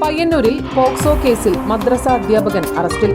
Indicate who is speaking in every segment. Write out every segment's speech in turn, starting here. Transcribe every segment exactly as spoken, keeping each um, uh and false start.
Speaker 1: പയ്യന്നൂരിൽ പോക്സോ കേസിൽ മദ്രസ അധ്യാപകൻ അറസ്റ്റിൽ.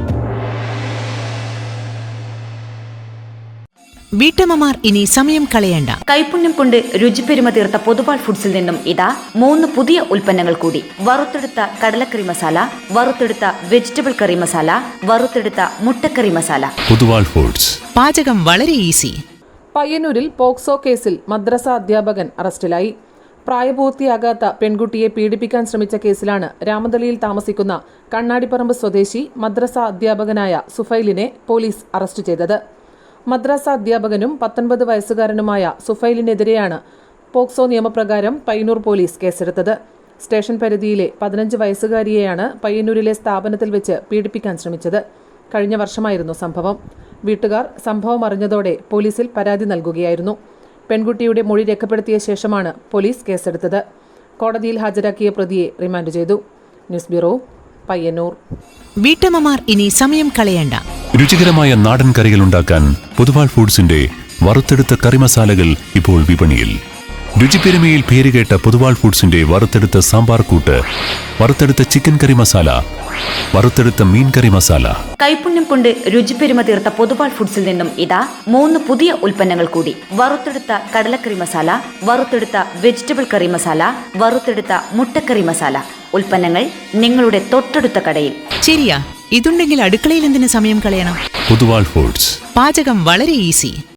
Speaker 2: വീട്ടമ്മമാർ ഇനി സമയം കളയണ്ട.
Speaker 3: കൈപുണ്യം കൊണ്ട് രുചിപ്പെരുമ തീർത്ത പൊതുവാൾ ഫുഡ്സിൽ നിന്നും ഇതാ മൂന്ന് പുതിയ ഉൽപ്പന്നങ്ങൾ കൂടി. വറുത്തെടുത്ത കടലക്കറി മസാല, വറുത്തെടുത്ത വെജിറ്റബിൾ കറി മസാല, വറുത്തെടുത്ത മുട്ടക്കറി മസാല.
Speaker 4: പൊതുവാൾ ഫുഡ്സ്.
Speaker 2: പാചകം വളരെ ഈസി.
Speaker 1: പയ്യന്നൂരിൽ പോക്സോ കേസിൽ മദ്രസ അധ്യാപകൻ അറസ്റ്റിലായി. പ്രായപൂർത്തിയാകാത്ത പെൺകുട്ടിയെ പീഡിപ്പിക്കാൻ ശ്രമിച്ച കേസിലാണ് രാമതളിയിൽ താമസിക്കുന്ന കണ്ണാടിപ്പറമ്പ് സ്വദേശി മദ്രസ അധ്യാപകനായ സുഫൈലിനെ പോലീസ് അറസ്റ്റ് ചെയ്തത്. മദ്രസ അധ്യാപകനും പത്തൊൻപത് വയസ്സുകാരനുമായ സുഫൈലിനെതിരെയാണ് പോക്സോ നിയമപ്രകാരം പയ്യന്നൂർ പോലീസ് കേസെടുത്തത്. സ്റ്റേഷൻ പരിധിയിലെ പതിനഞ്ച് വയസ്സുകാരിയെയാണ് പയ്യന്നൂരിലെ സ്ഥാപനത്തിൽ വെച്ച് പീഡിപ്പിക്കാൻ ശ്രമിച്ചത്. കഴിഞ്ഞ വർഷമായിരുന്നു സംഭവം. വീട്ടുകാർ സംഭവം അറിഞ്ഞതോടെ പോലീസിൽ പരാതി നൽകുകയായിരുന്നു. പെൺകുട്ടിയുടെ മൊഴി രേഖപ്പെടുത്തിയ ശേഷമാണ് പോലീസ് കേസെടുത്തത്. കോടതിയിൽ ഹാജരാക്കിയ പ്രതിയെ റിമാൻഡ് ചെയ്തു. News bureau, Payyanur.
Speaker 2: വീട്ടമ്മമാർ ഇനി സമയം കളയണ്ട.
Speaker 4: രുചികരമായ നാടൻ കറികൾ ഉണ്ടാക്കാൻ പൊതുവാൾ ഫുഡ്സിന്റെ വറുത്തെടുത്ത കറി മസാലകൾ ഇപ്പോൾ വിപണിയിൽ. രുചിപ്പെരുമയിൽ പേരുകേട്ട പൊതുവാൾ ഫുഡ്സിന്റെ വറുത്തെടുത്ത സാമ്പാർ കൂട്ട്, വറുത്തെടുത്ത ചിക്കൻ കറി മസാല, വറുത്തെടുത്ത മീൻ കറി മസാല.
Speaker 3: കൈപുണ്യം കൊണ്ട് രുചിപ്പെരുമ തീർത്ത പൊതുവാൾ ഫുഡ്സിൽ നിന്നും ഇതാ മൂന്ന് പുതിയ ഉൽപ്പന്നങ്ങൾ കൂടി. വറുത്തെടുത്ത കടലക്കറി മസാല, വറുത്തെടുത്ത വെജിറ്റബിൾ കറി മസാല, വറുത്തെടുത്ത മുട്ടക്കറി മസാല. ഉൽപ്പന്നങ്ങൾ നിങ്ങളുടെ തൊട്ടടുത്ത കടയിൽ.
Speaker 2: ശരിയാ, ഇതുണ്ടെങ്കിൽ അടുക്കളയിൽ എന്തിനു സമയം കളയണം?
Speaker 4: പൊതുവാൾ ഫുഡ്സ്.
Speaker 2: പാചകം വളരെ ഈസി.